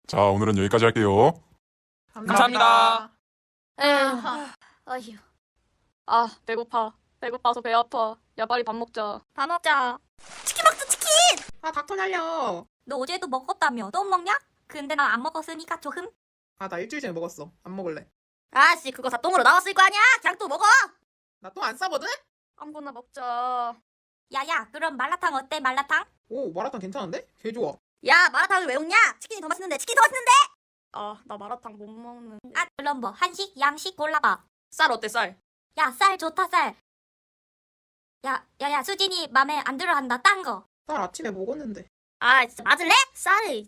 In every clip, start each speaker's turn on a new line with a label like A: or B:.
A: 자, 오늘은 여기까지 할게요.
B: 감사합니다.
C: 어휴.
B: 아, 배고파. 배고파서 배 아파. 야, 빨리 밥 먹자.
C: 밥 먹자. 치킨 먹자, 치킨!
D: 아, 닥터 날려.
C: 너 어제도 먹었다며. 또 먹냐? 근데 난 안 먹었으니까 조금.
D: 아, 나 일주일 전에 먹었어. 안 먹을래.
C: 아씨, 그거 다 똥으로 나왔을 거 아니야? 그냥 또 먹어!
D: 나 똥 안 싸거든?
B: 아무거나 먹자.
C: 야야, 그럼 말라탕 어때, 말라탕?
D: 오, 마라탕 괜찮은데? 개 좋아.
C: 야, 마라탕을 왜 먹냐? 치킨이 더 맛있는데, 치킨이 더 맛있는데!
B: 아, 나 마라탕 못 먹는.
C: 아, 그럼 뭐, 한식, 양식 골라봐.
B: 쌀 어때, 쌀?
C: 야, 쌀 좋다, 쌀. 야, 수진이 맘에 안 들어 한다, 딴 거.
D: 쌀 아침에 먹었는데.
C: 아, 진짜 맞을래? 쌀을.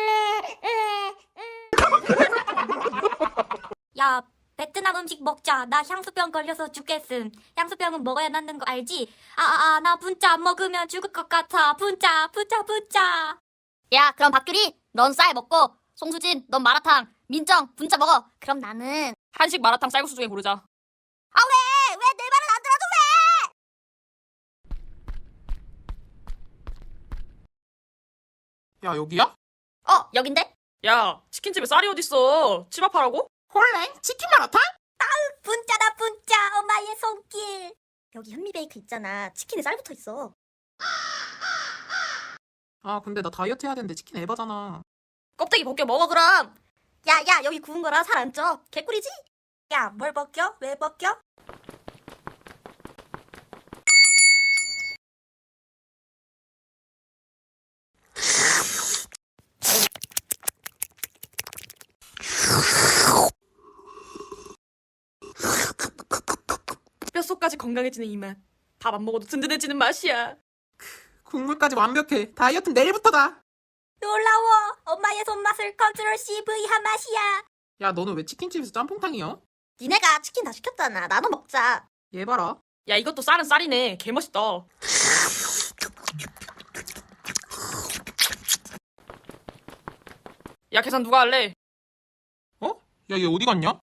C: 야, 베트남 음식 먹자. 나 향수병 걸려서 죽겠음. 향수병은 먹어야 낫는 거 알지? 나 분짜 안 먹으면 죽을 것 같아. 분짜. 야, 그럼 박규리, 넌 쌀 먹고, 송수진, 넌 마라탕, 민정, 분짜 먹어. 그럼 나는.
B: 한식 마라탕 쌀국수 중에 고르자.
C: 왜 내 말은 안 들어줘,
D: 야, 여기야?
C: 왜? 여긴데?
B: 야, 치킨집에 쌀이 어딨어? 집 앞하라고?
D: 홀랭? 치킨 마라탕?
C: 분짜다, 분짜. 엄마의 손길. 여기 현미베이크 있잖아. 치킨에 쌀 붙어 있어.
D: 아, 근데 나 다이어트 해야 되는데 치킨 에바잖아.
B: 껍데기 벗겨 먹어, 그럼.
C: 야, 여기 구운 거라 살 안 쪄. 개꿀이지? 야, 뭘 벗겨? 왜 벗겨?
B: 뼛속까지 건강해지는 이 맛. 밥 안 먹어도 든든해지는 맛이야.
D: 국물까지 완벽해. 다이어트는 내일부터다.
C: 놀라워. 엄마의 손맛을 컨트롤 CV 한 맛이야.
D: 야, 너는 왜 치킨집에서 짬뽕탕이야?
C: 니네가 치킨 다 시켰잖아. 나눠 먹자.
D: 얘 봐라.
B: 야, 이것도 쌀은 쌀이네. 개멋있다. 야, 계산 누가 할래?
D: 어? 야, 얘 어디 갔냐?